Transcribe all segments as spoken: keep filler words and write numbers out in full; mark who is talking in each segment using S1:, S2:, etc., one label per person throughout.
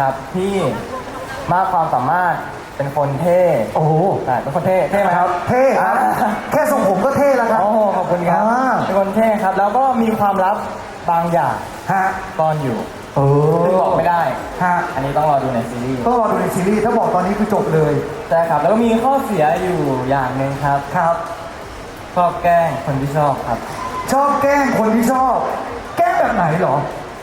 S1: ครับที่มากความสามารถเป็นคนเท่
S2: โอ้โห
S1: เป็นคนเท่เท่ไหมครับ
S2: เท่ครับแค่ทรงผมก็เท่แล้วครับ
S1: โอ้โหขอบคุณครับเป็นคนเท่ครับแล้วก็มีความลับบางอย่าง
S2: ฮะ
S1: ซ่อนอยู่
S2: เออ
S1: ซึ่งบอกไม่ได้
S2: ฮะ
S1: อันนี้ต้องรอดูในซีรีส์
S2: ต้องรอดูในซีรีส์ถ้าบอกตอนนี้คือจบเลย
S1: ใช่ครับแล้วก็มีข้อเสียอยู่อย่างหนึ่งครับ
S2: ครับ
S1: ชอบแกล้งคนที่ชอบครับ
S2: ชอบแกล้งคนที่ชอบแกล้งแบบไหนหรอ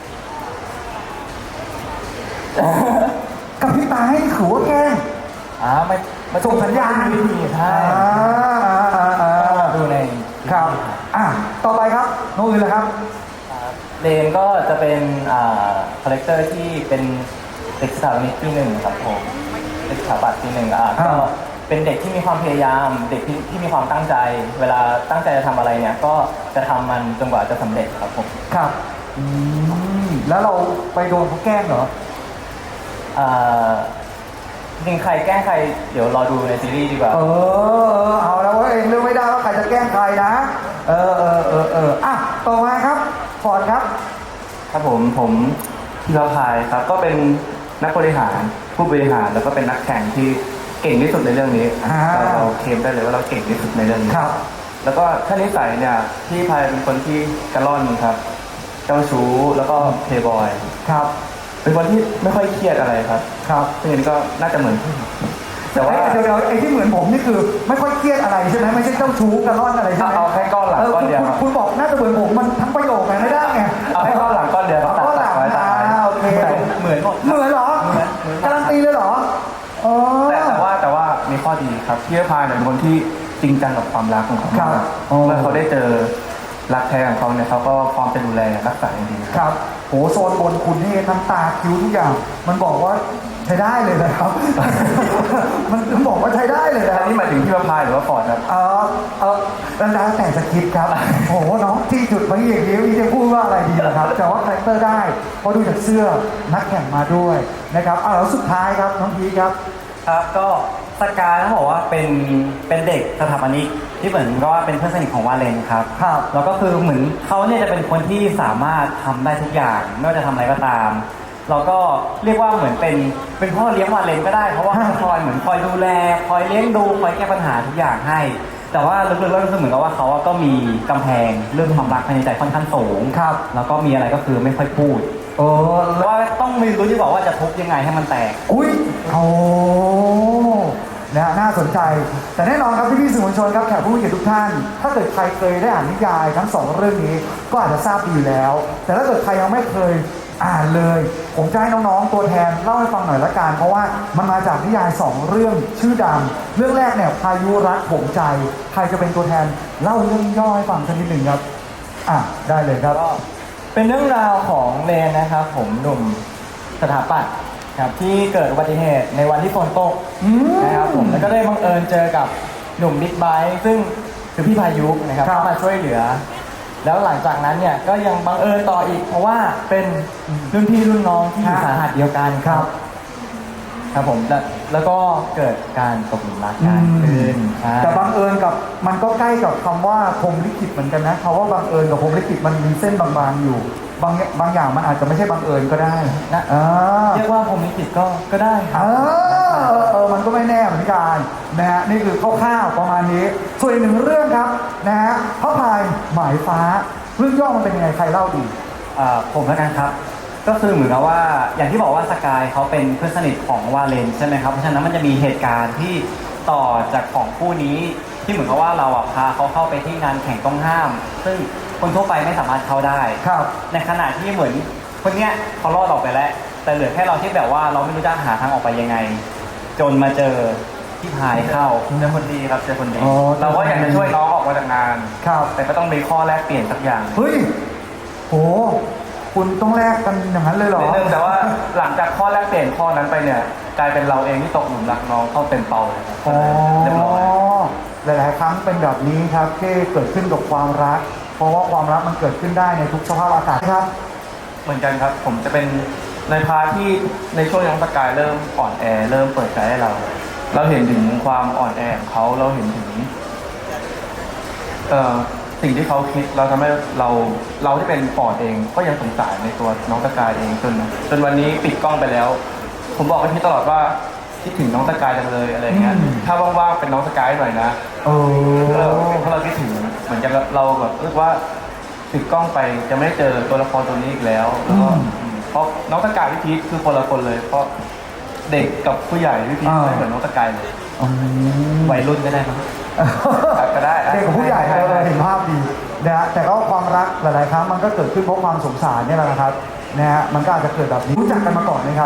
S2: กับพี่ตาให้ถือว่าแกล้ง
S1: อ่าไม่มา
S2: ส่งสัญญาณ
S1: วิธีใช่ดูใน
S2: ครับอ่ะต่อไปครับน้องอื่นเลยครับ
S1: เลนก็จะเป็นอ่าคาแรคเตอร์ที่เป็นเด็กสถาปนิกที่หนึ่งครับผมเด็กสถาปัตย์ที่หนึ่งอ่าก็เป็นเด็กที่มีความพยายามเด็กที่ที่มีความตั้งใจเวลาตั้งใจจะทำอะไรเนี่ยก็จะทำมันจนกว่าจะสำเร็จครับผม
S2: ครับอืมแล้วเราไปโดนเขาแกล้งเหรอ
S1: อ่าจริงใครแกล้งใครเดี๋ยวรอดูในซีรีส์ดีกว่า
S2: เออเอาแล้วว่าเองเลือกไม่ได้ว่าใครจะแกล้งใครนะเออเออเออเอออ่ะต่อมาครับฟอร์ดครับ
S1: ครับผมผมธีรพายครับก็เป็นนักบริหารผู้บริหารแล้วก็เป็นนักแข่งที่เก่งที่สุดในเรื่องนี้เราเคลมได้เลยว่าเราเก่งที่สุดในเรื่องนี้
S2: ครับ
S1: แล้วก็ท่านิสัยเนี่ยพี่พายเป็นคนที่กระล่อนครับเจ้าชู้แล้วก็เพย์บอย
S2: ครับ
S1: เป็นคนที่ไม่ค่อยเครียดอะไรครับ
S2: ครับ
S1: ซึ่งอันนี้ก็น่าจะเหมือน
S2: แต่ว่าเดี๋ยวไอ้ที่เหมือนผมนี่คือไม่ค่อยเครียดอะไรใช่ไหมไม่ใช่เจ้าชู้กระล่อนอะไรใช่ไหม
S1: เอาแค่ก้อนหลังก้อนเดียว
S2: คุณบอกน่าจะเหมือนผมมันทั้งประโยคไงไม่ได้ไง
S1: เอาแค่ก้อนหลังก้อนเดียว
S2: ก้อนหลังอ่าโอเค
S1: เหมือนหมด
S2: เหมือนเหรอการันตีเลยเหรอ
S1: แต่แต่ว่าแต่ว่ามีข้อดีครับพี่พายเป็นคนที่จริงจังกับความรักของเขาเมื่อเขาได้เจอรักแท้ของเขาเนี่ยเขาก็พร้อมจะดูแลรักษาอย่างดี
S2: ครับโหโซนบนคุณนี่น้ำตาคิ้วทุกอย่างมันบอกว่าใช้ได้เลยนะครับ มันบอกว่าใช้ได้เลยนะ
S1: อันนี้หมายถึงพี่พายหรือว่าฟอร์ดครับ
S2: เออเออแล้วแต่สคริปต์ครับโอ้โหน้องที่จุดมาอย่างนี้จะพูดว่าอะไรดีล่ะครับแต่ว่าคาแรคเตอร์ได้เพราะดูจากเสื้อนักแข่งมาด้วยนะครับเอาแล้วสุดท้ายครับน้องพีครับ
S1: ครับก็สกายเขาบอกว่าเป็นเป็นเด็กสถาปนิกที่เหมือนก็ว่าเป็นเพื่อนสนิทของวาเลนครับ
S2: ครับ
S1: แล้วก็คือเหมือนเขาเนี่ยจะเป็นคนที่สามารถทำได้ทุกอย่างไม่ว่าจะทำอะไรก็ตามเราก็เรียกว่าเหมือนเป็นเป็นพ่อเลี้ยงวาเลนก็ได้เพราะว่าคอยเหมือนคอยดูแลคอยเลี้ยงดูคอยแก้ปัญหาทุกอย่างให้แต่ว่าลึกๆแล้วก็เหมือนกับว่าเขาก็มีกำแพงเรื่องความรักภายในใจค่อนข้างสูง
S2: ครับ
S1: แล้วก็มีอะไรก็คือไม่ค่อยพูด
S2: เออ
S1: แล้วว่าต้องมีรู้ที่บอกว่าจะทุบยังไงให้มันแตก
S2: อุ้ยโอ้นะน่าสนใจแต่แน่นอนครับพี่พี่สื่อมวลชนครับแขกผู้มีเกียรติทุกท่านถ้าเกิดใครเคยได้อ่านนิยายทั้งสองเรื่องนี้ก็อาจจะทราบดีอยู่แล้วแต่ถ้าเกิดใครยังไม่เคยอ่านเลยผมจะให้น้องๆตัวแทนเล่าให้ฟังหน่อยละกันเพราะว่ามันมาจากนิยายสองเรื่องชื่อดังเรื่องแรกเนี่ยพายุรักผมใจใครจะเป็นตัวแทนเล่าเรื่องย่อให้ฟังสักนิดหนึ่งครับอ่ะได้เลยครับ
S1: ก็เป็นเรื่องราวของเลนนะครับผมหนุ่มสถาปัตย์ครับที่เกิดอุบัติเหตุในวันที่ฝนตกนะครับผมแล้วก็ได้บังเอิญเจอกับหนุ่มบิ๊กไบค์ซึ่งคือพี่พายุนะครับเข้ามาช่วยเหลือแล้วหลังจากนั้นเนี่ยก็ยังบังเอิญต่ออีกเพราะว่าเป็นรุ่นพี่รุ่นน้องที่อยู่สาหัสเดียวกันครับครับผมแล้วแล้วก็เกิดการตกหลุมรักกันขึ้น
S2: แต่บังเอิญกับมันก็ใกล้กับคำว่าพรหมลิขิตเหมือนกันนะคำว่าบังเอิญกับพรหมลิขิตมันมีเส้นบางๆอยู่บางบางอย่างมันอาจจะไม่ใช่บังเอิญก็ได้
S1: นะเรียกว่าพรหมลิขิตก็ก็ได้
S2: เออเออมันก็ไม่แน่เหมือนกันนะฮะนี่คือคร่าวๆประมาณนี้ส่วนอีกหนึ่งเรื่องครับนะฮะพระพายหมายฟ้าเรื่องย่อมันเป็นยังไงใครเล่าดี
S1: อ่าผมแล้วกันครับก็คือเหมือนกับว่าอย่างที่บอกว่าสกายเขาเป็นเพื่อนสนิทของวาเลนใช่ไหมครับเพราะฉะนั้นมันจะมีเหตุการณ์ที่ต่อจากของคู่นี้ที่เหมือนกับว่าเราอ่ะพาเขาเข้าไปที่งานแข่งต้องห้ามซึ่งคนทั่วไปไม่สามารถเข้าได้
S2: ครับ
S1: ในขณะที่เหมือนคนเนี้ยเขารอดออกไปแล้วแต่เหลือแค่เราที่แบบว่าเราไม่รู้จะหาทางออกไปยังไงจนมาเจอที่พายเข้าเจอคนดีครับเจอคนดีเราก็อยากจะช่วยน้องออกมาจากงาน
S2: ครับ
S1: แต่ก็ต้องมีข้อแลกเปลี่ยนสักอย่าง
S2: เฮ้ยโหคุณต้องแลกกันอย่างนั้นเลยเหรอ
S1: นิดนึงแต่ว่าหลังจากข้อแรกเปลี่ยนข้อนั้นไปเนี่ยกลายเป็นเราเองที่ตกหลุมรักน้องเข้าเต็มเป่าเลยครับเรียบร้อย
S2: หลายๆครั้งเป็นแบบนี้ครับที่เกิดขึ้นกับความรักเพราะว่าความรักมันเกิดขึ้นได้ในทุกสภาพอากาศครับ
S1: เหมือนกันครับผมจะเป็นในพาร์ทที่ในช่วงยังสกายเริ่มอ่อนแอเริ่มเปิดใจให้เราเราเห็นถึงความอ่อนแอของเขาเราเห็นถึงเอ่อสิ่งที่เขาคิดเราทำให้เราเราที่เป็นปอดเองก็ยังสงสารในตัวน้องสกายเองจนจนวันนี้ปิดกล้องไปแล้ว
S3: ผมบอกกับพี่ตลอดว่าคิดถึงน้องสกายจังเลยอะไรเงี้ย
S2: อืม
S3: ถ้าว่างๆเป็นน้องสกายหน่อยนะ
S2: เออ
S3: เพราะเราเพราะเราคิดถึงเหมือนจะเราแบบเรียกว่าติดกล้องไปจะไม่ได้เจอตัวละครตัวนี้อีกแล้วแล้วก็
S2: อืม
S3: อืมเพราะน้องสกายพี่พีทคือคนละคนเลย เพราะเด็กกับผู้ใหญ่พี่พีท
S2: อ่า
S3: ไม่เหมือนน้องสกายเลย
S2: อืม
S3: วัยรุ่นก็ได้มั้ง ก็ได้
S2: เด็กกับผู้ใหญ่
S3: ใช่
S2: เรา
S3: ใช่
S2: เห็นภาพดีนะฮะแต่ก็ความรักหลาย ๆ ครั้งมันก็เกิดขึ้นเพราะความสงสารเนี่ยแหละนะครับนะฮะมันก็อาจจะเกิดแบบนี้รู้จักกันมาก่อนไหมครับ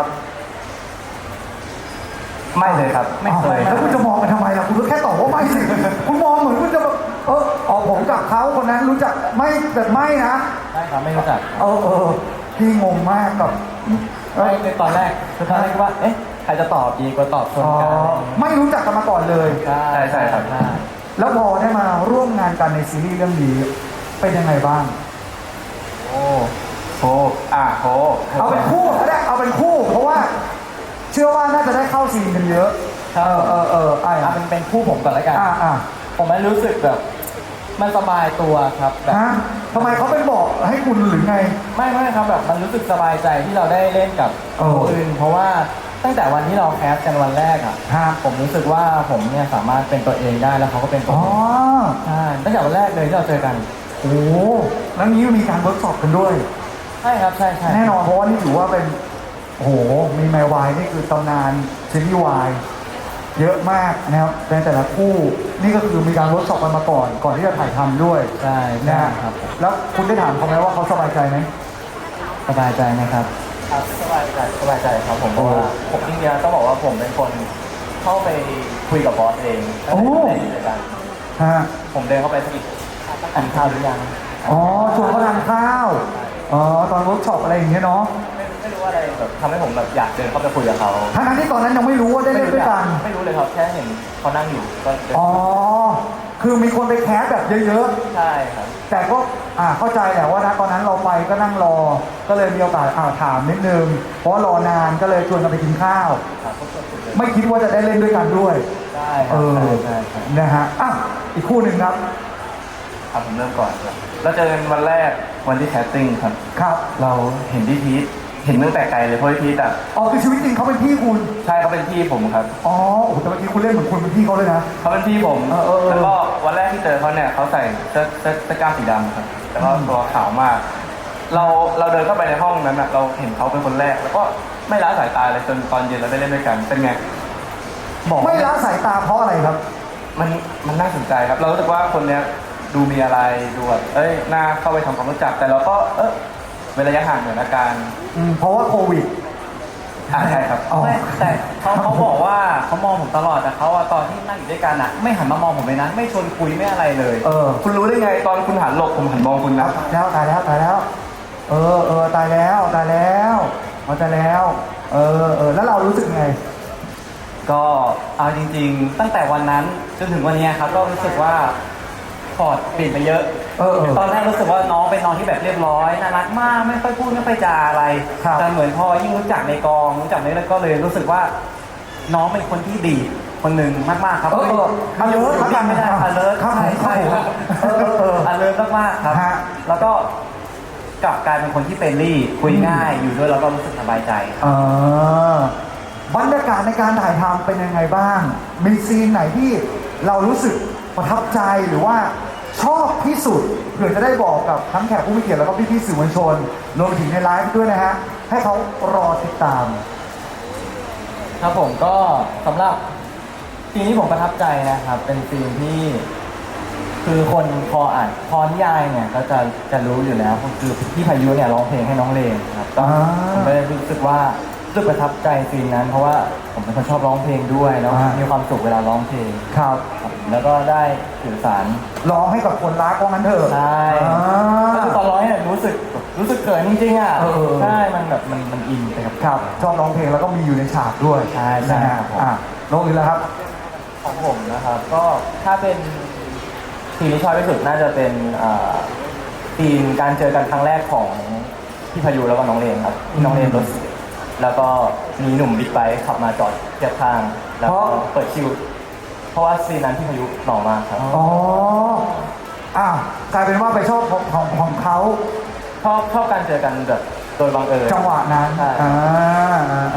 S3: ไม่เลยครับ ไม่เคย
S2: อ้าวแล้วคุณจะมองกันทำไมล่ะคุณก็แค่ตอบว่าไม่สิคุณมองเหมือนคุณจะแบบเออออกผมกับเขาคนนั้นรู้จักไม่แต่ไม่นะ
S1: ใช่ครับไม่รู้จัก
S2: เออเออพี่งงมากกับเอ
S1: ไม่
S2: อ
S1: ในตอนแรกคือตอนแรกคิดว่า เอ๊ะ ใครจะตอบดีกว่าตอบชน
S2: อ๋อ
S1: กันอะไรอย่างเงี้ย
S2: ไม่รู้จักกันมาก่อนเลย
S1: ใช่
S3: ใช่ใช่ครับ
S1: ใช่
S2: แล้วพอได้มาร่วมงานกันในซีรีส์เรื่องนี้เป็นยังไงบ้าง
S3: โอ้โหอ่ะโห
S2: เอาเป็นคู่ก็ได้เอาเป็นคู่ เพราะว่าเชื่อว่าน่าจะได้เข้าซีนกันเยอะเออเออเออไอ้
S1: เอา
S2: อ่ะ
S1: เป็นเป็นคู่ผมก่อนแล้วกัน
S2: อ่าอ่า
S1: ผมมันรู้สึกแบบ มันสบายตัวครับแบบ
S2: ฮะทำไมเขาเป็นบอกให้คุณหรือไง
S1: ไม่ไม่ครับแบบมันรู้สึกสบายใจที่เราได้เล่นกับ
S2: เออ
S1: คนอื่น เพราะว่าตั้งแต่วันที่เราแคสกันวันแรกอ่ะ
S2: ฮะ
S1: ผมรู้สึกว่าผมเนี่ยสามารถเป็นตัวเองได้แล้วเขาก็เป็นตัว
S2: อ๋อ
S1: เองใช่ตั้งแต่วันแรกเลยที่เราเจอกัน
S2: โอ้โหแล้วนี้มีการเวิร์กช็อปกันด้วย
S1: ใช่ครับใช่ใช่
S2: แน่นอนเพราะว่านี่ถือว่าเป็นโอ้โหมีแมววายนี่คือตำนานซีรีส์วายเยอะมากนะครับในแต่ละคู่นี่ก็คือมีการเวิร์กช็อปกันมาก่อน ก่อนที่จะถ่ายทำด้วย
S1: ใช่
S2: นะ
S1: ใช่
S2: ฮะ
S1: ครับ
S2: แล้วคุณได้ถามเขาไหมว่าเขาสบายใจไหม
S1: สบายใจไหมครับครับสบายใจสบายใจครับผมเพราะว่าผมจริงๆต้องบอกว่าผมเป็นคนเข้าไปคุยกับบอสเอง
S2: โอ้
S1: ในกิจการ
S2: ฮะ
S1: ผมเดินเข้าไปสกิดทานข้าวหรือยัง
S2: อ๋อชวนเขาทานข้าวอ๋อตอนเวิร์กช็อปอะไรอย่างเงี้ยเนาะ
S1: ไม่ไม่รู้ว่าอะไรแบบทำให้ผมแบบอยากเดินเข้าไปคุยกับเขา
S2: ทั้งๆที่ตอนนั้นยังไม่รู้ว่าได้เล่นด้วยกัน
S1: ไม่รู้เลยครับแค่เห็นเขานั่งอยู่ก็เดิน
S2: อ๋อคือมีคนไปแคสแบบเยอะ
S1: ใช่ครับ
S2: ๆ แต่ก็อ่าเข้าใจแหละว่านะตอนนั้นเราไปก็นั่งรอ ก็เลยมีโอกาสอ่าถามนิดนึง เพราะว่ารอนานก็เลยชวนกันไปกินข้าว
S1: ครับก็สุดเลย
S2: ไม่คิดว่าจะได้เล่นด้วยกันด้วย
S1: ได้ค
S2: เอ
S1: รับ
S2: อ
S1: ใช่ใช่ใช่
S2: นะฮะอ่ะอีกคู่หนึ่งครับ
S3: ครับผมเริ่มก่อนครับเราเจอกันวันแรกวันที่แคสติ้งครับ
S2: ครับ
S3: เราเห็นพี่พีทเห็นตั้งแต่ไกลเลยเพราะพี่พีทอ่ะ
S2: อ๋อคือชีวิตจริงเขาเป็นพี่คุณ
S3: ใช่เขาเป็นพี่ผมครับ
S2: อ๋อโอ้โหแต่เมื่อกี้คุณเล่นเหมือนคุณเป็นพี่เขาเลยนะ
S3: เขาเป็นพี่ผม
S2: เออเออเออ
S3: แล้วก็วันแรกที่เจอเขาเนี่ยเขาใส่เสื้อเสื้อเสื้อกล้ามสีดำครับแล้วก็ตัวขาวมาก เราเราเดินเข้าไปในห้องนั้นอ่ะเราเห็นเขาเป็นคนแรก แล้วก็ไม่ละสายตาเลยจนตอนเย็นเราได้เล่นด้วยกันเป็นไงบอก
S2: ไม่ละสายตาเพราะอะไรครับ
S3: มันมันน่าสนใจครับ เรารู้สึกว่าคนเนี้ยดูมีอะไรดูแบบเอ้ยน่าเข้าไปทำความรู้จัก แต่เราก็เออเว้นระยะห่างเหมือนอาการ
S2: อืมเพราะว่าโควิด
S3: อ่าใช่ครับ
S2: อ๋อ
S1: ไม่แต่เขาเขาบอกว่าเขามองผมตลอดแต่เขาอะตอนที่นั่งอยู่ด้วยกันอะไม่หันมามองผมเลยนะไม่ชวนคุยไม่อะไรเลย
S2: เออ
S3: คุณรู้ได้ไงตอนคุณหันหลบผมหันมองคุณนะ
S2: แล้วตายแล้วตายแล้ว เออเออตายแล้วตายแล้วเอาตายแล้ว เออเออแล้วเรารู้สึกไง
S1: ก็เอาจริงๆ ตั้งแต่วันนั้นจนถึงวันเนี้ยครับก็รู้สึกว่าพอร์ตเปลี่ยนไปเยอะ
S2: เออเออ
S1: ตอนแรกรู้สึกว่าน้องเป็นน้องที่แบบเรียบร้อยน่ารักมากไม่ค่อยพูดไม่ค่อยจาอะไร
S2: ครับ
S1: แต่เหมือนพอยิ่งรู้จักในกองรู้จักในเรื่องก็เลยรู้สึกว่า น้องเป็นคนที่ดีคนหนึ่งมากๆครับ
S2: เออเออ
S1: มันอยู่
S2: alert
S1: อยู่นิ่งไม่ได้
S2: ครับ
S1: alert
S2: ครับ
S1: ใช่ใช่ครับ
S2: เออเออเออ
S1: alert มากๆครับ
S2: ฮะ
S1: แล้วก็กลับกลายเป็นคนที่เฟรนลี่คุยง่ายอยู่ด้วยแล้วก็รู้สึกสบายใจ
S2: เออบรรยากาศในการถ่ายทำเป็นยังไงบ้าง มีซีนไหนที่เรารู้สึกประทับใจหรือว่าชอบที่สุดเผื่อจะได้บอกกับทั้งแขกผู้มีเกียรติแล้วก็พี่ๆสื่อมวลชนรวมไปถึงในไลฟ์ด้วยนะฮะ ให้เขารอติดตาม
S1: ครับผมก็สำหรับซีนที่ผมประทับใจนะครับ เป็นซีนที่ คือคนพออ่านพอนิยายเนี่ยก็จะจะรู้อยู่แล้วคือพี่พายุเนี่ยร้องเพลงให้น้องเลนครับก็
S2: อ่า
S1: ผมก็เลยรู้สึกว่ารู้สึกประทับใจซีนนั้น เพราะว่าผมเป็นคนชอบร้องเพลงด้วยแล้ว
S2: อ่ามี
S1: มีความสุขเวลาร้องเพลง
S2: ครับ
S1: ครับแล้วก็ได้สื่อสาร
S2: ร้องให้กับคนรักว่างั้นเถอะ
S1: ใช่
S2: อ่า
S1: ก็คือตอนร้องเนี่ยรู้สึกรู้สึกเกินจริงๆอ่ะ
S2: เออ
S1: ใช่มันแบบมันมันอินไปกับ
S2: ครับชอบร้องเพลงแล้วก็มีอยู่ในฉากด้วย
S1: ใช่ใช่
S2: นะฮะ
S1: ครับผม
S2: อ่ะน้องอื่นแล้วครับ
S1: ของผมนะครับ ก็ถ้าเป็นซีนที่ชอบที่สุดน่าจะเป็นอ่าซีนการเจอกันครั้งแรกของพี่พายุแล้วก็น้องเลนครับที่น้องเลนรถเสียแล้วก็มีหนุ่มบิ๊กไบค์ขับมาจอดเทียบข้าง แล้วก็
S2: เพราะ
S1: เปิดคิว เพราะว่าซีนนั้นพี่พายุหล่อมากครับ
S2: อ๋ออ่ะกลายเป็นว่าไปชอบของของของเขา
S1: ชอบชอบการเจอกันแบบโดยบังเอิญ
S2: จังหวะนั้น
S1: ใช่
S2: อ่าอ่าอ่าอ่า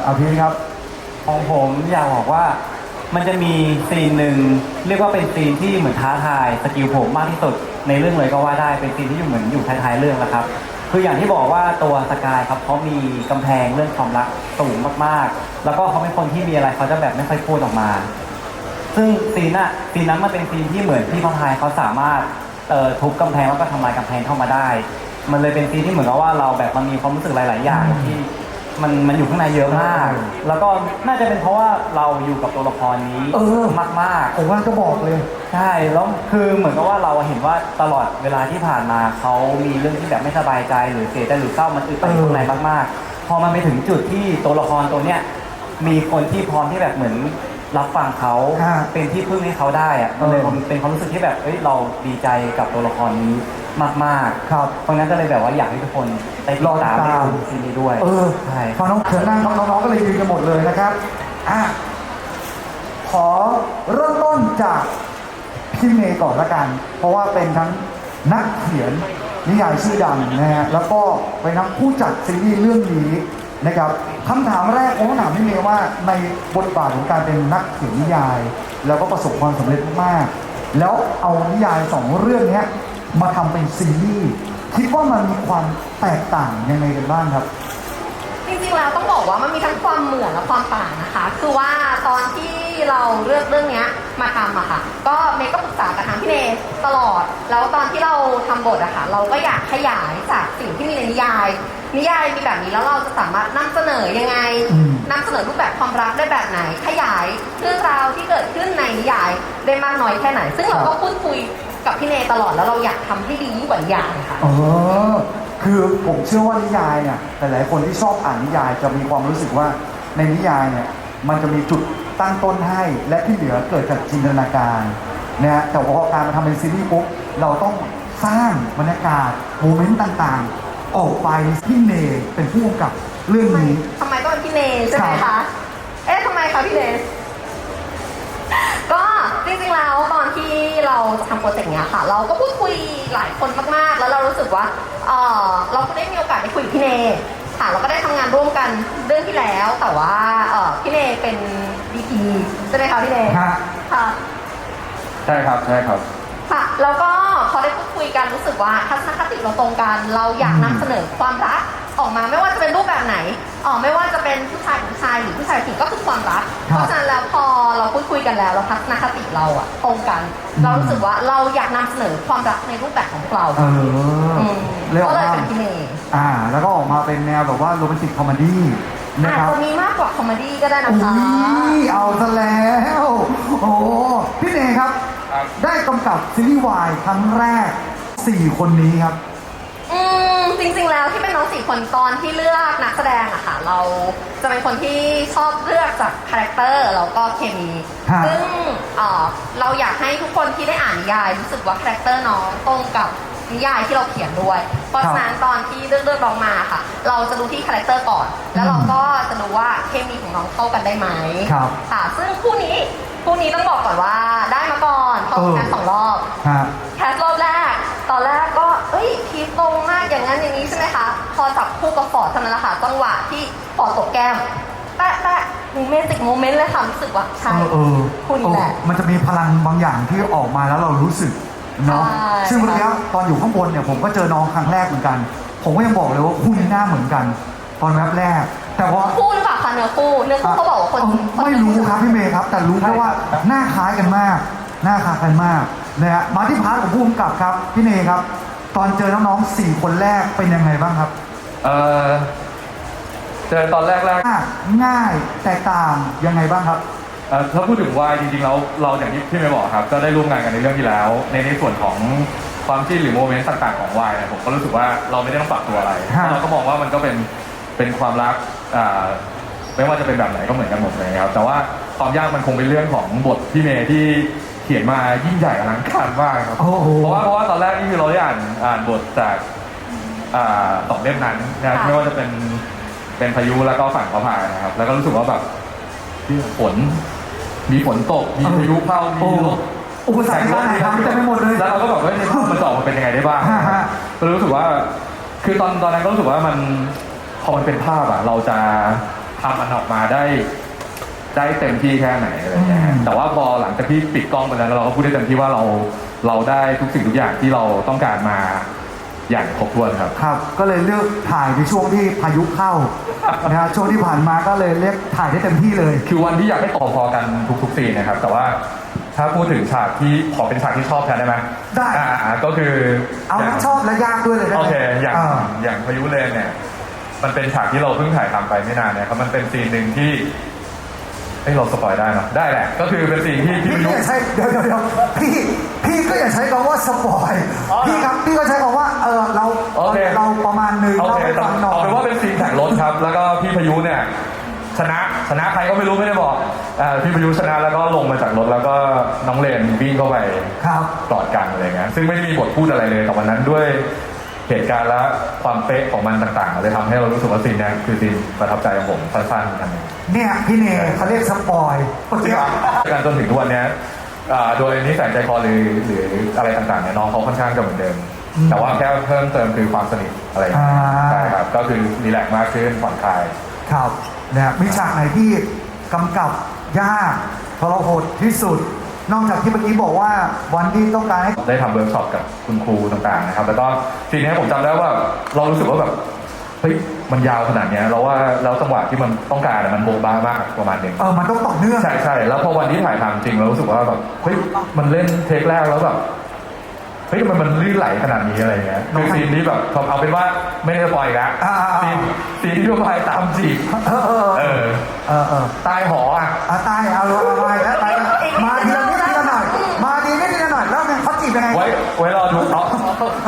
S2: เอาพี่ครับ
S4: ของผมอยากบอกว่ามันจะมีซีนหนึ่งเรียกว่าเป็นซีนที่เหมือนท้าทายสกิลผมมากที่สุดในเรื่องเลยก็ว่าได้เป็นซีนที่อยู่เหมือนอยู่ท้ายๆเรื่องแล้วครับคืออย่างที่บอกว่าตัวสกายครับเขามีกำแพงเรื่องความรักสูงมากๆแล้วก็เขาเป็นคนที่มีอะไรเขาจะแบบไม่ค่อยพูดออกมา ซึ่งซีนน่ะซีนนั้นมันเป็นซีนที่เหมือนพี่พายเขาสามารถเอ่อทุบกำแพงแล้วก็ทำลายกำแพงเข้ามาได้ มันเลยเป็นซีนที่เหมือนกับว่าเราแบบมันมีความรู้สึกหลาย ๆ อย่างที่มันมันอยู่ข้างในเยอะมาก แล้วก็น่าจะเป็นเพราะว่าเราอยู่กับตัวละครนี้
S2: เออ
S4: มาก
S2: ผมว่าจะบอกเลย
S4: ๆใช่แล้วคือเหมือนกับว่าเราเห็นว่าตลอดเวลาที่ผ่านมาเขามีเรื่องที่แบบไม่สบายใจหรือเสียใจหรือเศร้ามันอึดอัดอยู่ข้างในมาก ๆ พอมันไปถึงจุดที่ตัวละครตัวเนี้ยมีคนที่พร้อมที่แบบเหมือนรับฟังเขา
S2: ฮะ
S4: เป็นที่พึ่งให้เขาได้อะมันเลย
S2: เออ
S4: เป็นความรู้สึกที่แบบเอ้ยเราดีใจกับตัวละครนี้มากๆ
S2: ครับ
S4: เพราะงั้นก็เลยแบบว่าอยากให้ทุกคนได้ติดตาม
S2: รอติดตาม
S4: ได้ดูซีรีส์ด้วย
S2: เออ
S4: ใช่
S2: พอน้องเชิญนั่งน้องๆก็เลยยืนกันหมดเลยนะครับอ่ะขอเริ่มต้นจากพี่เมย์ก่อนละกัน เพราะว่าเป็นทั้งนักเขียนนิยายชื่อดังนะฮะแล้วก็เป็นทั้งผู้จัดซีรีส์เรื่องนี้นะครับคำถามแรกผมต้องถามพี่เมย์ว่าในบทบาทของการเป็นนักเขียนนิยาย แล้วก็ประสบความสำเร็จมากๆแล้วเอานิยายสองเรื่องเนี้ยมาทำเป็นซีรีส์คิดว่ามันมีความแตกต่างยังไงกันบ้างครับ
S5: จริงๆแล้วต้องบอกว่ามันมีทั้งความเหมือนและความต่างนะคะ คือว่าตอนที่เราเลือกเรื่องเนี้ยมาทำอะค่ะ ก็เมย์ก็ปรึกษากับทางพี่เนยตลอด แล้วตอนที่เราทำบทอะค่ะ เราก็อยากขยายจากสิ่งที่มีในนิยาย นิยายมีแบบนี้แล้วเราจะสามารถนำเสนอยังไง
S2: อืม
S5: นำเสนอรูปแบบความรักได้แบบไหน ขยายเรื่องราวที่เกิดขึ้นในนิยายได้มากน้อยแค่ไหน ซึ่งเราก็พูดคุยกับพี่เนยตลอดแล้วเราอยากทำให้ดียิ่งกว่านิยายค่ะ
S2: เออคือผมเชื่อว่านิยายเนี่ยหลายๆคนที่ชอบอ่านนิยายจะมีความรู้สึกว่าในนิยายเนี่ยมันจะมีจุดตั้งต้นให้และที่เหลือเกิดจากจินตนาการนะฮะแต่พอการมาทำเป็นซีรีส์ปุ๊บเราต้องสร้างบรรยากาศโมเมนต์ต่างๆ ออกไปพี่เนยเป็นผู้กำกับเรื่องนี้
S5: ทำไมต้องเป็นพี่เนยใช่ไหม
S2: ครั
S5: คะ
S2: บ
S5: เอ๊ะทำไมคะพี่เนยก็จริงๆแล้วตอนที่เราจะทำโปรเจกต์เนี้ยค่ะ เราก็พูดคุยหลายคนมากๆ แล้วเรารู้สึกว่าเออเราก็ได้มีโอกาสได้คุยกับพี่เนยค่ะเราก็ได้ทำงานร่วมกันเรื่องที่แล้ว แต่ว่าเออพี่เนยเป็น ดี พี ใช่ไหมคะพี่เนย
S2: ฮะ
S5: ค่ะ
S3: ใช่ครับใช่ครับ
S5: ค่ะแล้วก็พอได้พูดคุยกันรู้สึกว่าทัศนคติเราตรงกัน เราอยากนำเสนอความรักออกมาไม่ว่าจะเป็นรูปแบบไหนอ๋อไม่ว่าจะเป็นผู้ชายกับผู้ชายหรือผู้ชายกับผู้หญิงก็คือความรัก
S2: ครับ
S5: เพราะฉะนั้นแล้วพอเราพูดคุยกันแล้วเราทัศนคติเราอะตรงกัน
S2: อืม
S5: เรารู้สึกว่าเราอยากนำเสนอความรักในรูปแบบของพวกเรา
S2: เออ
S5: อืม
S2: เลยออ
S5: ก็
S2: ก
S5: เลย
S2: มา
S5: เป็นพี่เนย
S2: อ่า แล้วก็ออกมาเป็นแนวแบบว่าโรแมนติกคอมเมดี้นะ
S5: อาจ
S2: ครับ
S5: จะมีมากกว่าคอมเมดี้ก็ได้นะ
S2: อุ้
S5: คะ
S2: ยเอาซะแล้ว โอ้พี่เนยครับ
S3: ครับ
S2: ได้กำกับซีรีส์วายครั้งแรกสี่คนนี้ครับ
S5: อืมจริงๆแล้วที่เป็นน้องสี่คนตอนที่เลือกนักแสดงอะค่ะ เราจะเป็นคนที่ชอบเลือกจากคาแรคเตอร์แล้วก็เคมี
S2: ฮะ
S5: ซึ่งเอ่อเราอยากให้ทุกคนที่ได้อ่านนิยายรู้สึกว่าคาแรคเตอร์น้องตรงกับนิยายที่เราเขียนด้วย เพราะฉะนั้นตอนที่เลือกเลือกน้องมาค่ะ เราจะดูที่คาแรคเตอร์ก่อน แล้วเราก็จะดูว่าเคมีของน้องเข้ากันได้ไหม
S2: ครับ
S5: ค่ะ ซึ่งคู่นี้คู่นี้ต้องบอกก่อนว่าได้มาก่อนเพราะ
S2: เออ
S5: แค่สองรอบ
S2: ฮะ
S5: แคสรอบแรก ตอนแรกก็ เอ้ยพีคตรงมากอย่างนั้นอย่างนี้ใช่ไหมคะ พอจับคู่กับฟอร์ดเท่านั้นแหละค่ะจังหวะที่ฟอร์ดตกแก้ม แปะแปะโมเมนต์ติกโมเมนต์เลยค่ะรู้สึกว่าใช่
S2: เออเออ
S5: คู่นี้แหละ
S2: เออมันจะมีพลังบางอย่างที่ออกมาแล้วเรารู้สึกเนาะ
S5: ใช่
S2: ซึ่งเมื่อกี้ตอนอยู่ข้างบนเนี่ยผมก็เจอน้องครั้งแรกเหมือนกัน ผมก็ยังบอกเลยว่าคู่นี้หน้าเหมือนกัน ตอนแรกแรก แต่ว่า
S5: คู่หรือเปล่าคะเนื้อคู่ เนื้อคู่เขาบอกว่าคน
S2: เอ่อ
S5: คน
S2: ไม่รู้ครับพี่เมย์ครับ แต่รู้แค่ว่าหน้าคล้ายกันมาก หน้าคล้ายกันมากนะฮะมาที่พาร์ทของผู้กำกับครับพี่เนยครับ ตอนเจอน้องๆสี่คนแรกเป็นยังไงบ้างครับ
S3: เออเจอตอนแรกแรก
S2: ง่ายง่ายแตกต่างยังไงบ้างครับ
S3: เอ่อถ้าพูดถึงวายจริงๆแล้วเราอย่างที่พี่เมย์บอกครับก็ได้ร่วมงานกันในเรื่องที่แล้ว ในในส่วนของความจิ้นหรือโมเมนต์ต่างๆของวายเนี่ยผมก็รู้สึกว่าเราไม่ได้ต้องปรับตัวอะไร
S2: ฮะ
S3: เราก็มองว่ามันก็เป็นเป็นความรักอ่าไม่ว่าจะเป็นแบบไหนก็เหมือนกันหมดเลยครับแต่ว่าความยากมันคงเป็นเรื่องของบทพี่เมย์ที่เขียนมายิ่งใหญ่อลังการมากครับ
S2: โอ้โห
S3: เพราะว่าเพราะว่าตอนแรกนี่คือเราได้อ่านอ่านบทจากอ่าสองเล่มนั้นนะครับไม่ว่าจะเป็นเป็นพายุแล้วก็ฝั่งพระพายนะครับ แล้วก็รู้สึกว่าแบบฝนมีฝนตก มีพายุเข้ามีรถ
S2: อุปสรรคด้านไหนครับเต็มไปหมดเลย
S3: แล้วเราก็แบบว่าในภาพมันจะออกมาเป็นยังไงได้บ้าง
S2: ฮะฮะ
S3: ก็รู้สึกว่า คือตอนตอนนั้นก็รู้สึกว่ามันพอมันเป็นภาพอะเราจะท
S6: ำมันออกมาได้ได้เต็มที่แค่ไหนอะไรเงี้ยฮะแต่ว่าพอหลังจากที่ปิดกล้องไปแล้วเราก็พูดได้เต็มที่ว่าเราเราได้ทุกสิ่งทุกอย่างที่เราต้องการมาอย่างครบถ้วนครับ
S2: ครับ ก็เลยเลือกถ่ายในช่วงที่พายุเข้า นะฮะช่วงที่ผ่านมาก็เลยเรียกถ่ายได้เต็มที่เลย
S6: คือวันที่อยากให้ต่อพอกันทุกๆซีนนะครับ แต่ว่าถ้าพูดถึงฉากที่ขอเป็นฉากที่ชอบแทนได้ไหม
S2: ได้
S6: อ่าก็คือ
S2: เอาทั้งชอบและยากด้วยเลยได้ไหม
S6: โอเคอย่าง
S2: อ่า
S6: อย่างพายุเลนเนี่ยมันเป็นฉากที่เราเพิ่งถ่ายทำไปไม่นานเนี่ยครับมันเป็นซีนหนึ่งที่เอ้ยเราสปอยได้เนอะได้แหละก็คือเป็นซีนที่ที่
S2: พี่
S6: พายุ
S2: ก็อย่าใช้เดี๋ยวเดี๋ยวเดี๋ยวพี่พี่ก็อย่าใช้คำว่าสปอยพี่ครับพี่ก็ใช้คำว่าเออเรา
S6: โอเค
S2: เราประมาณหนึง
S6: โอ
S2: เรา
S6: เค
S2: ไปฟังหน่อ
S6: เอา
S2: ย
S6: เป็นว่าเป็นซีนแข่งรถครับ แล้วก็พี่พายุเนี่ยชนะชนะใครก็ไม่รู้ไม่ได้บอกอ่าพี่พายุชนะแล้วก็ลงมาจากรถแล้วก็น้องเลนวิ่งเข้าไป
S2: ครับ
S6: กอดกันอะไรเงี้ยซึ่งไม่ได้มีบทพูดอะไรเลยแต่วันนั้นด้วยเหตุการณ์และความเป๊ะของมันต่างๆเลยทำให้เรารู้สึกว่าซีนเนี้คือซีนประทับใจของผมสั้นๆกัน
S2: เนี่ยพี่เนเขาเรียกสปอยเมื่อกี้
S6: การจนถึงทุกวันเนี้ยอ่าโดยนิสัยใจคอหรือหรืออะไรต่างๆเนี่ยน้องเขาค่อนข้างจะเหมือนเดิม แต่ว่าแค่เพิ่มเติมคือความสนิทอะไรอย่างเงี้ย
S2: อ่า
S6: ใช่ครับก็คือรีแลกซ์มากขึ้นผ่อนคลาย
S2: ครับเนี่ยมีฉากไหนที่กำกับยากทรหดที่สุด นอกจากที่เมื่อกี้บอกว่าวันที่ต้องการให้
S6: ได้ทำเวิร์กช็อปกับคุณครูต่างๆนะครับแล้วก็ทีนี้ผมจำได้ว่าเรารู้สึกว่าแบบเฮ้ยมันยาวขนาดเนี้ยเราว่าแล้วจังหวะที่มันต้องการอะมันโบะบ้ามากประมาณหนึง
S2: เออมันต้องต่อเนื่อง
S6: ใช่ใช่แล้วพอวันที่ถ่ายทำจริงเรารู้สึกว่าแบบเฮ้ยมันเล่นเทคแรกแล้วแบบเฮ้ยทำไมมันลื่นไหลขนาดนี้อะไรเงี้ยคือซีนนี้แบบเอาเป็นว่าไม่ได้สปอยล์อีกแล้ว
S2: อ่าๆๆ
S6: ซีนซีนที่ทั่วไปตามจีบ
S2: เออเออ
S6: เออ
S2: เออเออ
S6: ใตายหออ่ะ
S2: อาตายเอาเอาเอาไปแล้วไปแล้วมาทีละนิดทีละหน่อยมาทีละนิดทีละหน่อยแล้วไงเขาจีบยังไง
S6: ไว้ไว้รอดูเนาะ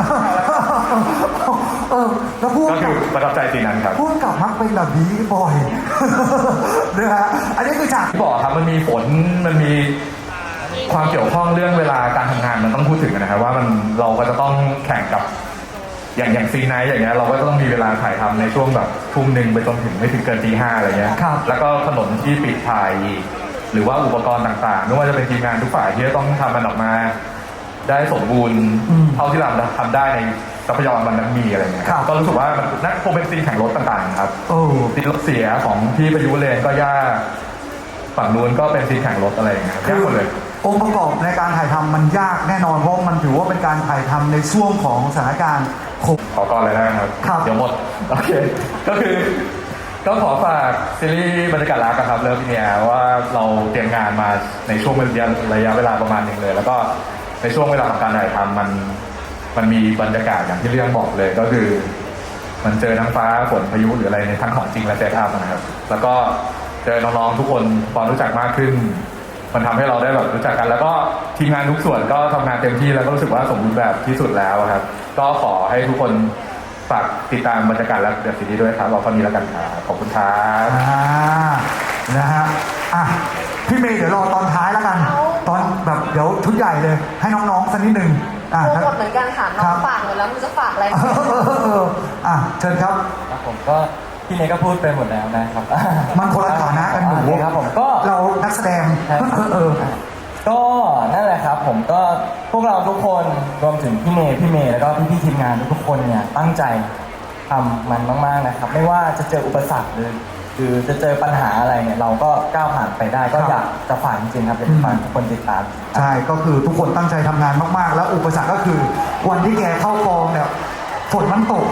S2: เออแล้วพูด
S6: ก็คือประทับใจซีนนั้นครับ
S2: พูดกับมักเป็นแบบนี้บ่อยนะฮะอันนี้คือฉาก
S6: ที่บอกครับมันมีฝนมันมีความเกี่ยวข้องเรื่องเวลาการทำงานมันต้องพูดถึงนะครับว่ามันเราก็จะต้องแข่งกับอย่างอย่างซีนไนท์อย่างเงี้ยเราก็ต้องมีเวลาถ่ายทำในช่วงแบบทุ่มหนึ่งไปจนถึงไม่ถึงเกินตีห้าอะไรเงี้ย
S2: ครับ
S6: แล้วก็ถนนที่ปิดถ่ายอีกหรือว่าอุปกรณ์ต่างๆไม่ว่าจะเป็นทีมงานทุกฝ่ายที่จะต้องทำมันออกมา ได้สมบูรณ์
S2: อืม
S6: เท่าที่เราทำได้ในทรัพยากรมันนั้นมีอะไรเงี้ย
S2: ครับ
S6: ก็รู้สึกว่ามันน่าคงเป็นซีนแข่งรถต่างๆครับ
S2: โอ้
S6: ซีนรถเสียของพี่ประยุเลนก็ยากฝั่งนู้นก็เป็นซีนแข่งรถอะไรอย่างเงี้ยครับยากหมดเลย
S2: องค์ประกอบในการถ่ายทำมันยากแน่นอนเพราะมันถือว่าเป็นการถ่ายทำในช่วงของสถานการณ์โควิด
S6: ขอก่อนเลยนะครับ
S2: ครับ
S6: เดี๋ยวหมด โอเค ก็คือ ก็ขอฝากซีรีส์บรรยากาศรักอะครับเลิฟเนี่ยว่าเราเตรียมงานมาในช่วงระยะระยะเวลาประมาณหนึ่งเลย แล้วก็ในช่วงเวลาของการถ่ายทำมันมันมีบรรยากาศอย่างที่เรื่องบอกเลยก็คือ มันเจอทั้งฟ้าฝนพายุหรืออะไรในทั้งของจริงและเซตอัพนะครับ แล้วก็เจอน้องๆทุกคนพอรู้จักมากขึ้น มันทำให้เราได้แบบรู้จักกัน แล้วก็ทีมงานทุกส่วนก็ทำงานเต็มที่แล้วก็รู้สึกว่าสมบูรณ์แบบที่สุดแล้วครับ ก็ขอให้ทุกคนฝากติดตามบรรยากาศและเดือดซีรีส์ด้วยครับเราก็มีแล้วกันครับขอบคุณครับ
S2: อ่านะฮะอ่ะพี่เมย์เดี๋ยวรอตอนท้ายแล้วกัน
S5: เอา
S2: ตอนแบบเดี๋ยวชุดใหญ่เลย ให้น้องๆสักนิดหนึ่งอ่ะ
S5: โปรโมทเหมือนกันค่ะน้อ
S2: ครั
S5: ง
S2: บ
S5: ฝากเลยแล้วมันจะฝากอะไร
S2: เออเออเออเอออ่ะเชิญครับ
S1: ครับผมก็พี่เนยก็พูดไปหมดแล้วนะครับ
S2: มันคนละฐานะกันหนู
S1: โอเคครับผมก็
S2: เรานักแสดง
S1: ใช่ครับ
S2: เออเออ
S1: ก็นั่นแหละครับ ผมก็พวกเราทุกคนรวมถึงพี่เมย์พี่เมย์แล้วก็พี่พี่ๆทีมงานทุกๆคนเนี่ยตั้งใจทำมันมากๆนะครับ ไม่ว่าจะเจออุปสรรคหรือหรือจะเจอปัญหาอะไรเนี่ยเราก็ก้าวผ่านไปได้ก็
S2: ครับ
S1: อยากจะฝากจริงๆครับอยากจะฝากทุกคนติดตาม
S2: ใช่ก็คือทุกคนตั้งใจทำงานมากๆ แล้วอุปสรรคก็คือ วันที่แกเข้ากองเนี่ยฝนมันตก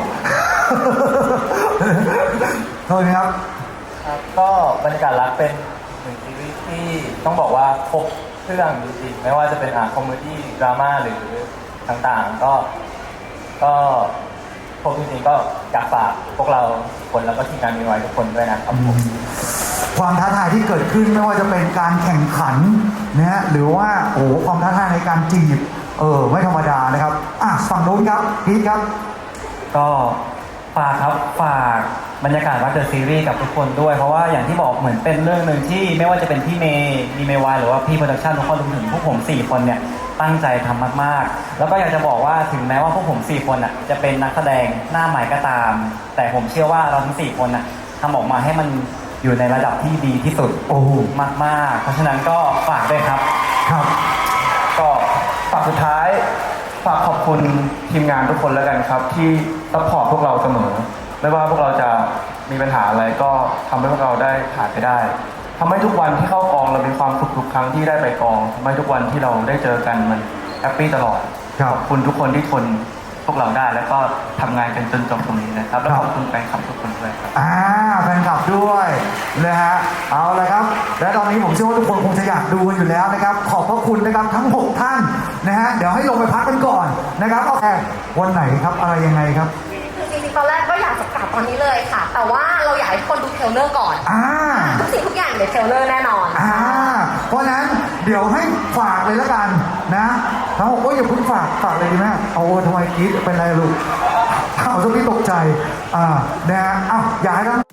S2: โทษนะครับ
S1: ครับก็บรรยากาศรักเป็นหนึ่งซีรีส์ที่ต้องบอกว่าครบเครื่องจริงๆไม่ว่าจะเป็นอ่าคอมเมดี้ดราม่าหรือต่างๆ ก็ก็ครบจริงๆก็อยากฝากพวกเราทุกคนแล้วก็ทีมงานมีไว้ทุกคนด้วยนะครับผม
S2: ความท้าทายที่เกิดขึ้นไม่ว่าจะเป็นการแข่งขันนะฮะหรือว่าโอ้โหความท้าทายในการจีบเออไม่ธรรมดานะครับอ่ะฝั่งนู้นครับพีทครับ
S4: ก็ฝากครับฝากบรรยากาศรักเดอะซีรีส์กับทุกคนด้วย เพราะว่าอย่างที่บอกเหมือนเป็นเรื่องหนึ่งที่ไม่ว่าจะเป็นพี่เมย์มีเมย์วายหรือว่าพี่โปรดักชั่นทุกคนรวมถึงพวกผมสี่คนเนี่ยตั้งใจทำมากๆ แล้วก็อยากจะบอกว่าถึงแม้ว่าพวกผมสี่คนอ่ะจะเป็นนักแสดงหน้าใหม่ก็ตาม แต่ผมเชื่อว่าเราทั้งสี่คนอ่ะทำออกมาให้มันอยู่ในระดับที่ดีที่สุด
S2: โอ้โห
S4: มากๆ เพราะฉะนั้นก็ฝากด้วยครับ
S2: ครับ
S3: ก็ฝากสุดท้ายฝากขอบคุณทีมงานทุกคนแล้วกันครับ ที่ซัพพอร์ตพวกเราเสมอ ไม่ว่าพวกเราจะมีปัญหาอะไรก็ทำให้พวกเราได้ผ่านไปได้ทำให้ทุกวันที่เข้ากองเรามีความสุขทุกครั้งที่ได้ไปกองทำให้ทุกวันที่เราได้เจอกันมันแฮปปี้ตลอด
S2: ครับ
S3: ขอบคุณทุกคนที่ทนพวกเราได้ แล้วก็ทำงานกันจนจบตรงนี้นะครับแล้วขอบคุณแฟนคลับทุกคนด้วยครับ
S2: อ่าแฟนคลับด้วยนะฮะเอาละครับ และตอนนี้ผมเชื่อว่าทุกคนคงจะอยากดูกันอยู่แล้วนะครับ ขอบพระคุณนะครับทั้งหกท่านนะฮะเดี๋ยวให้ลงไปพักกันก่อนนะครับโอเควันไหนครับอะไรยังไงครับ
S5: คือจริงๆตอนแรกก็อยากจะกลับตอนนี้เลยค่ะ แต่ว่าเราอยากให้ทุกคนดูเทรลเลอร์ก่อน
S2: อ่า
S5: ทุกสิ่งทุกอย่างอยู่ในเทรลเลอร์แน่นอน
S2: อ่าเพราะฉะนั้นเดี๋ยวให้ฝากเลยแล้วกันนะทั้งหกก็อย่าเพิ่งฝากฝากเลยดีไหมเอาโอ้ทำไมกรีดเป็นไรลูกเอาซะพี่ตกใจอ่านะฮะอ้าวอยากให้ท่าน